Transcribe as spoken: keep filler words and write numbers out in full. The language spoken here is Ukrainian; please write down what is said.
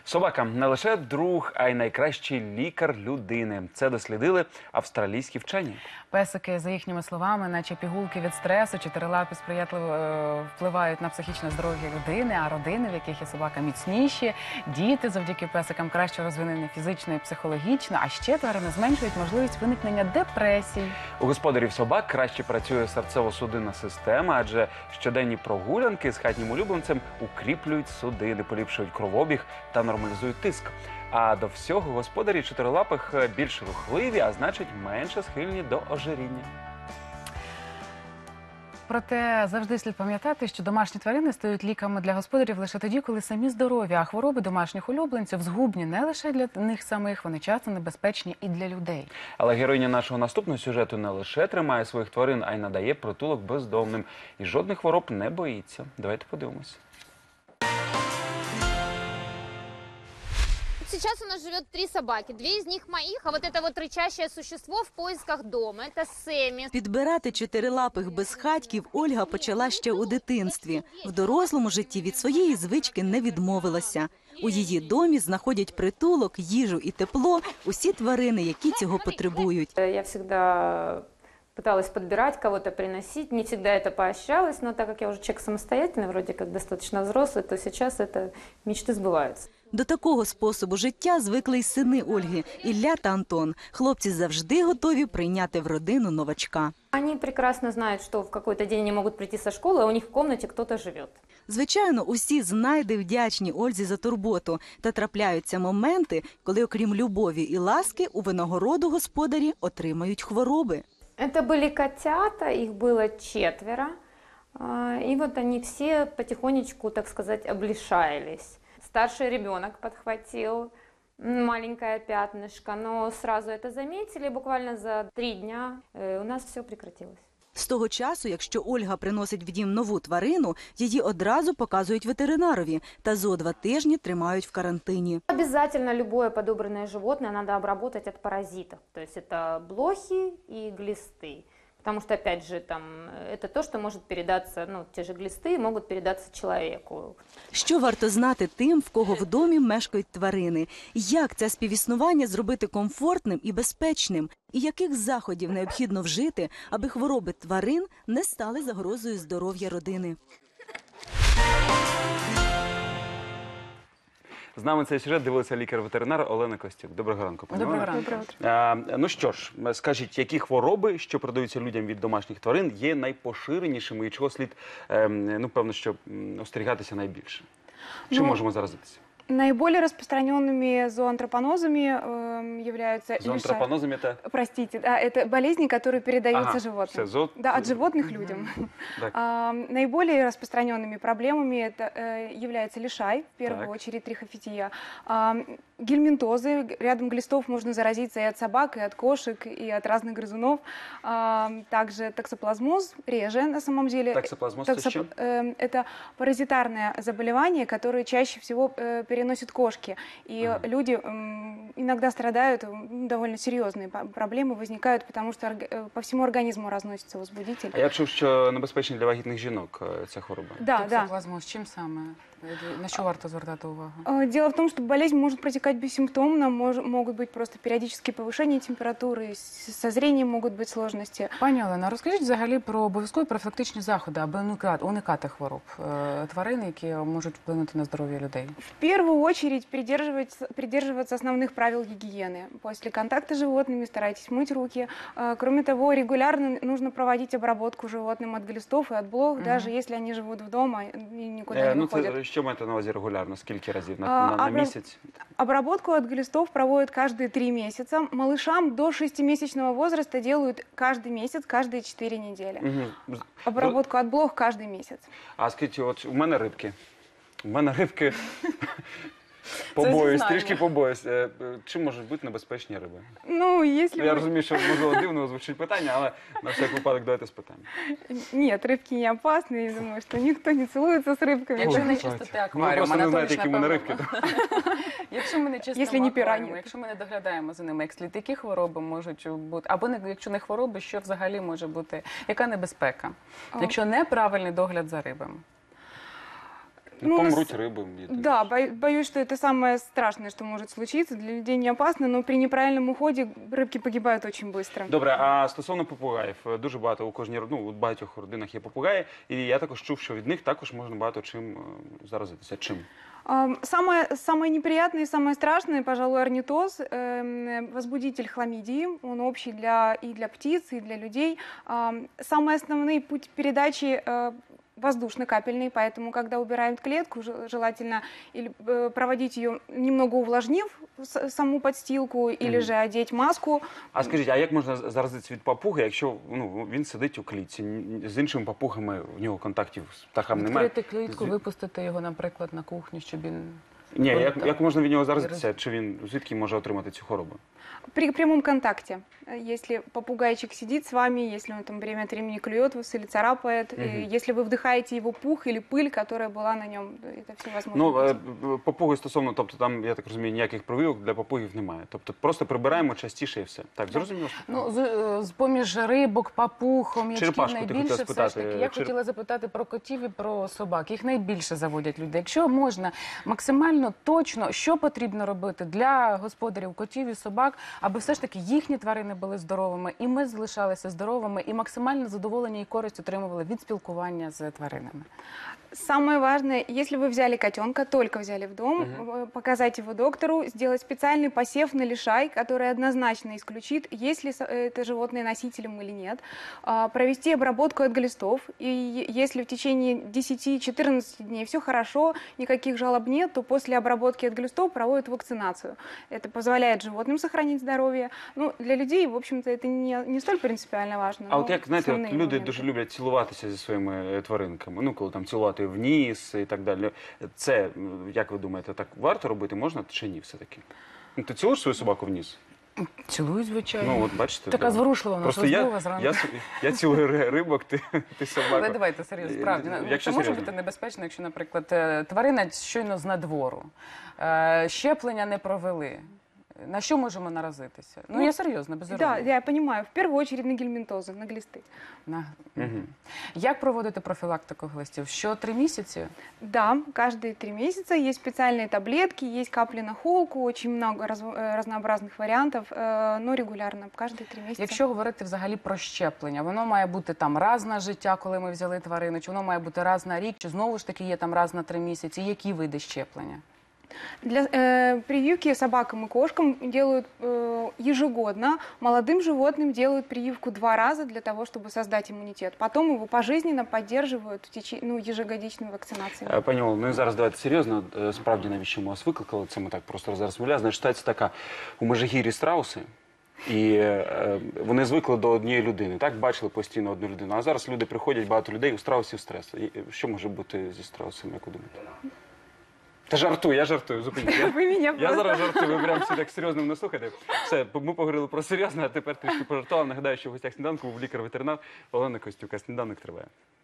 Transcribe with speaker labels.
Speaker 1: Собака не лише друг, а й найкращий лікар людини. Це дослідили австралійські вчені.
Speaker 2: Песики, за їхніми словами, наче пігулки від стресу, чотирилапі сприятливо е, впливають на психічне здоров'я людини, а родини, в яких є собака, міцніші. Діти завдяки песикам краще розвинені фізично і психологічно, а ще тварини зменшують можливість виникнення депресій.
Speaker 1: У господарів собак краще працює серцево-судинна система, адже щоденні прогулянки з хатнім улюбленцем укріплюють судини, поліпшують кровообіг та нормалізують тиск. А до всього господарі чотирилапих більш рухливі, а значить менше схильні до ожиріння.
Speaker 2: Проте завжди слід пам'ятати, що домашні тварини стають ліками для господарів лише тоді, коли самі здорові, а хвороби домашніх улюбленців згубні не лише для них самих, вони часто небезпечні і для людей.
Speaker 1: Але героїня нашого наступного сюжету не лише тримає своїх тварин, а й надає притулок бездомним. І жодних хвороб не боїться. Давайте подивимось.
Speaker 3: Сейчас у нас живет три собаки. Две из них моих, а вот это вот рычащее существо в поисках дома. Это Сэмми.
Speaker 4: Підбирати чотирилапих безхатьків Ольга почала ще у дитинстві. В дорослому житті від своєї звички не відмовилася. У її домі знаходять притулок, їжу і тепло усі тварини, які цього потребують.
Speaker 5: Я всегда пыталась подбирать, кого-то приносить. Не всегда это поощрялось, но так как я уже человек самостоятельный, вроде как достаточно взрослый, то сейчас это мечты сбываются.
Speaker 4: До такого способу життя звикли й сини Ольги – Ілля та Антон. Хлопці завжди готові прийняти в родину новачка.
Speaker 5: Они прекрасно знают, что в какой-то день они могут прийти со школы, а у них в комнате кто-то живет.
Speaker 4: Звичайно, усі знайди вдячні Ользі за турботу. Та трапляються моменти, коли окрім любові і ласки у винагороду господарі отримають хвороби.
Speaker 5: Это были котята, их было четверо, и вот они все потихонечку, так сказать, облишаялись. Старший ребенок подхватил маленькое пятнышко, но сразу это заметили, буквально за три дня у нас все прекратилось.
Speaker 4: З того часу, якщо Ольга приносить в дім нову тварину, її одразу показують ветеринарові та зо два тижні тримають в карантині.
Speaker 5: Обязательно любое подобранное животное надо обработать от паразитов, то есть это блохи и глисты. Потому что, опять же, там, это то, что может передаться, ну, те же глисты могут передаться человеку.
Speaker 4: Що варто знати тим, в кого в домі мешкають тварини? Як це співіснування зробити комфортним і безпечним? І яких заходів необхідно вжити, аби хвороби тварин не стали загрозою здоров'я родини?
Speaker 1: З нами цей сюжет дивилася лікар-ветеринар Олена Костюк. Доброго ранку, пані
Speaker 2: Доброго
Speaker 1: Олено.
Speaker 2: ранку.
Speaker 1: А, ну що ж, скажіть, які хвороби, що передаються людям від домашніх тварин, є найпоширенішими і чого слід, ем, ну, певно, що м, остерігатися найбільше? Чим
Speaker 6: Ну,
Speaker 1: можемо заразитися?
Speaker 6: Наиболее распространенными зооантропонозами э, являются
Speaker 1: Зоантропонозом это?
Speaker 6: Простите, да, это болезни, которые передаются
Speaker 1: Ага,
Speaker 6: животным.
Speaker 1: все, зо...
Speaker 6: Да, от животных людям.
Speaker 1: Так.
Speaker 6: А, наиболее распространенными проблемами это э, является лишай, в первую
Speaker 1: Так.
Speaker 6: очередь трихофития, а, гельминтозы. Рядом глистов можно заразиться и от собак, и от кошек, и от разных грызунов. А, также токсоплазмоз, реже на самом деле.
Speaker 1: Токсоплазмоз
Speaker 6: Токсоп-
Speaker 1: это что?
Speaker 6: э, Это паразитарное заболевание, которое чаще всего э, переносят кошки. И
Speaker 1: Ага.
Speaker 6: люди м, иногда страдают, м, довольно серьезные по- проблемы возникают, потому что орг- э, по всему организму разносится возбудитель.
Speaker 1: А я чув, що небезпечна для вагітних жінок е, ця хвороба.
Speaker 6: Да, да.
Speaker 2: Токсоплазмоз, чим саме? На що варто звертати увагу?
Speaker 6: Э, Дело в том, что болезнь может протекать бессимптомно, мож- могут быть просто периодические повышения температуры, с- со зрением могут быть сложности.
Speaker 2: Пані Олена, розкажіть взагалі про обов'язкові профілактичні заходи, аби уникати, уникати хвороб е, тварин, які можуть вплинути на здоров'я людей.
Speaker 6: В первую очередь придерживаться, придерживаться основных правил гигиены. После контакта с животными старайтесь мыть руки. Э, Кроме того, регулярно нужно проводить обработку животным от глистов и от блох,
Speaker 2: Мгм.
Speaker 6: даже если они живут дома и никуда
Speaker 1: Е,
Speaker 6: не
Speaker 1: ну,
Speaker 6: выходят.
Speaker 1: це, що маєте на увазі регулярно? Скільки разів? На,
Speaker 6: А,
Speaker 1: на, на
Speaker 6: обра-
Speaker 1: місяць?
Speaker 6: Обработку от глистов проводят каждые три месяца. Малышам до шестимесячного возраста делают каждый месяц, каждые четыре недели.
Speaker 1: Угу.
Speaker 6: Обработку от блох каждый месяц.
Speaker 1: А скажіть, от у мене рибки. У мене рибки побоюсь,
Speaker 2: зізнання.
Speaker 1: трішки побоюсь. Е, е, Чим можуть бути небезпечні риби?
Speaker 6: Ну, если
Speaker 1: Я
Speaker 6: вы-
Speaker 1: розумію, що можливо дивно звучить питання, але на всяк випадок давайте спитаємо.
Speaker 6: Нет, рыбки не опасны. Я думаю, что никто не целуется с рыбками.
Speaker 2: Якщо
Speaker 1: Ой,
Speaker 2: не
Speaker 1: слухайте.
Speaker 2: чистити
Speaker 1: Ну, ви
Speaker 2: акваріум,
Speaker 1: просто не знаєте,
Speaker 2: Анатолій,
Speaker 1: які в мене
Speaker 2: напевно.
Speaker 1: рибки.
Speaker 2: Якщо ми не чистимо
Speaker 6: Якщо не
Speaker 2: акваріум,
Speaker 6: пірані.
Speaker 2: якщо ми не доглядаємо за ними, як слід, які хвороби можуть бути, або не, якщо не хвороби, що взагалі може бути, яка небезпека,
Speaker 6: А.
Speaker 2: якщо неправильний догляд за рибами?
Speaker 6: Ну,
Speaker 1: Помруть
Speaker 6: с-
Speaker 1: риби. я думаю.
Speaker 6: Да, бо- боюсь, что это самое страшное, что может случиться. Для людей не опасно, но при неправильном уходе рыбки погибают очень быстро.
Speaker 1: Добре, а стосовно попугаїв, дуже багато у кожній род- ну, у багатьох родинах є попугаї, і я також чув, що від них також можна багато чим е, заразитися. Чим?
Speaker 6: Ам, Самое, самое неприятное и самое страшное, пожалуй, орнитоз, эм, возбудитель хламидии. Он общий для, и для птиц, и для людей. Ам, Самый основной путь передачи э, воздушно-капельный, поэтому, когда убираем клетку, жел- желательно или э, проводить ее немного увлажнив с- саму подстилку, или
Speaker 1: Мгм.
Speaker 6: же одеть маску.
Speaker 1: А скажіть, а як можна заразитися від папуги, якщо ну, він сидить у клітці, н- з іншими папугами у нього контактів з птахами немає?
Speaker 2: Відкрити клітку,
Speaker 1: Зві-
Speaker 2: випустити його, наприклад, на кухню, щоб він...
Speaker 1: Ні, як,
Speaker 2: Так.
Speaker 1: як можна від нього заразитися? Чи він звідки може отримати цю хворобу?
Speaker 6: При прямом контакте. Э, Если попугайчик сидит с вами, если он там время от времени клюет вас или царапает,
Speaker 1: Мгм.
Speaker 6: э, если вы вдыхаете его пух или пыль, которая была на нем, это все возможно.
Speaker 1: Ну, е, б- папуги стосовно, тобто там, я так розумію, ніяких прививок для папугів немає. Тобто просто прибираємо частіше і все. Так, зрозуміло?
Speaker 2: Ну, з, е, з поміж рибок, папуг, хом'ячків
Speaker 1: Черепашку ти
Speaker 2: найбільше
Speaker 1: хотіла
Speaker 2: все ж
Speaker 1: спитати,
Speaker 2: таки. Я
Speaker 1: чер-
Speaker 2: хотіла запитати про котів і про собак. Їх найбільше заводять люди. Якщо можна максимально точно, що потрібно робити для господарів котів і собак, аби все ж таки їхні тварини були здоровими, і ми залишалися здоровими, і максимально задоволення і користь отримували від спілкування з тваринами.
Speaker 6: Самое важное, если вы взяли котенка, только взяли в дом, э, показать его доктору, сделать специальный посев на лишай, который однозначно исключит, есть ли со- это животное носителем или нет, а, провести обработку от глистов, и е- если в течение десяти-четырнадцати дней все хорошо, никаких жалоб нет, то после обработки от глистов проводят вакцинацию. Это позволяет животным сохранить здоровье. Ну, для людей, в общем-то, это не, не столь принципиально важно.
Speaker 1: А
Speaker 6: но
Speaker 1: от як, знаєте, от
Speaker 6: основные
Speaker 1: люди
Speaker 6: моменты.
Speaker 1: дуже люблять цілуватися зі своїми е, тваринками, ну, коли там цілувати в ніс і так далі. Це, м, як ви думаєте, так варто робити можна чи ні все-таки? Ну, ти цілуєш свою собаку в ніс?
Speaker 2: Цілую, звичайно.
Speaker 1: Ну, от бачите.
Speaker 2: Така
Speaker 1: да.
Speaker 2: зворушлива, вона
Speaker 1: Просто я,
Speaker 2: розмова зранку.
Speaker 1: я, с- я цілую ри- рибок, ти, ти собаку.
Speaker 2: Але давайте серйозно, справді.
Speaker 1: Е,
Speaker 2: Ну,
Speaker 1: якщо
Speaker 2: Це може
Speaker 1: серйозно.
Speaker 2: бути небезпечно, якщо, наприклад, е, тварина щойно з надвору, е, щеплення не провели. На що можемо наразитися? Ну,
Speaker 6: Ну,
Speaker 2: я серйозно, без
Speaker 6: Да,
Speaker 2: іронії.
Speaker 6: я понимаю. В первую очередь на гельминтозы, на глисты.
Speaker 2: На-
Speaker 1: Мгм.
Speaker 2: Як проводити профілактику глистів? Що три місяці?
Speaker 6: Да, каждые три месяца есть специальные таблетки, есть капли на холку, очень много раз- э, разнообразных вариантов, э, но регулярно, каждые три месяца.
Speaker 2: Якщо говорити взагалі про щеплення, воно має бути там раз на життя, коли ми взяли тварину, чи воно має бути раз на рік, чи знову ж таки є там раз на три місяці? Які види щеплення?
Speaker 6: Для э, прививки собакам и кошкам делают э, ежегодно, молодым животным делают прививку два раза для того, чтобы создать иммунитет. Потом его пожизненно поддерживают в теч... ну, ежегодичной вакцинацией.
Speaker 1: Е, Пані Олено, ну і зараз давайте серйозно. Е, Справді, навіщо ми вас викликали? Це ми так просто зараз розмовляємо. Значить, ситуація така. У Межигір'ї страуси, і е, вони звикли до однієї людини. Так, бачили постійно одну людину. А зараз люди приходять, багато людей, у страусів стрес. І Що може бути зі страусами, як ви думаєте? Та жартую, я жартую, зупиніть. Я,
Speaker 6: Вы меня
Speaker 1: я
Speaker 6: просто-
Speaker 1: зараз жартую, ви прям всі так серйозно мене слухаєте. Все, ми поговорили про серйозне, а тепер трішки пожартував. Нагадаю, що в гостях сніданку був лікар-ветеринар Олена Костюк. А сніданок триває.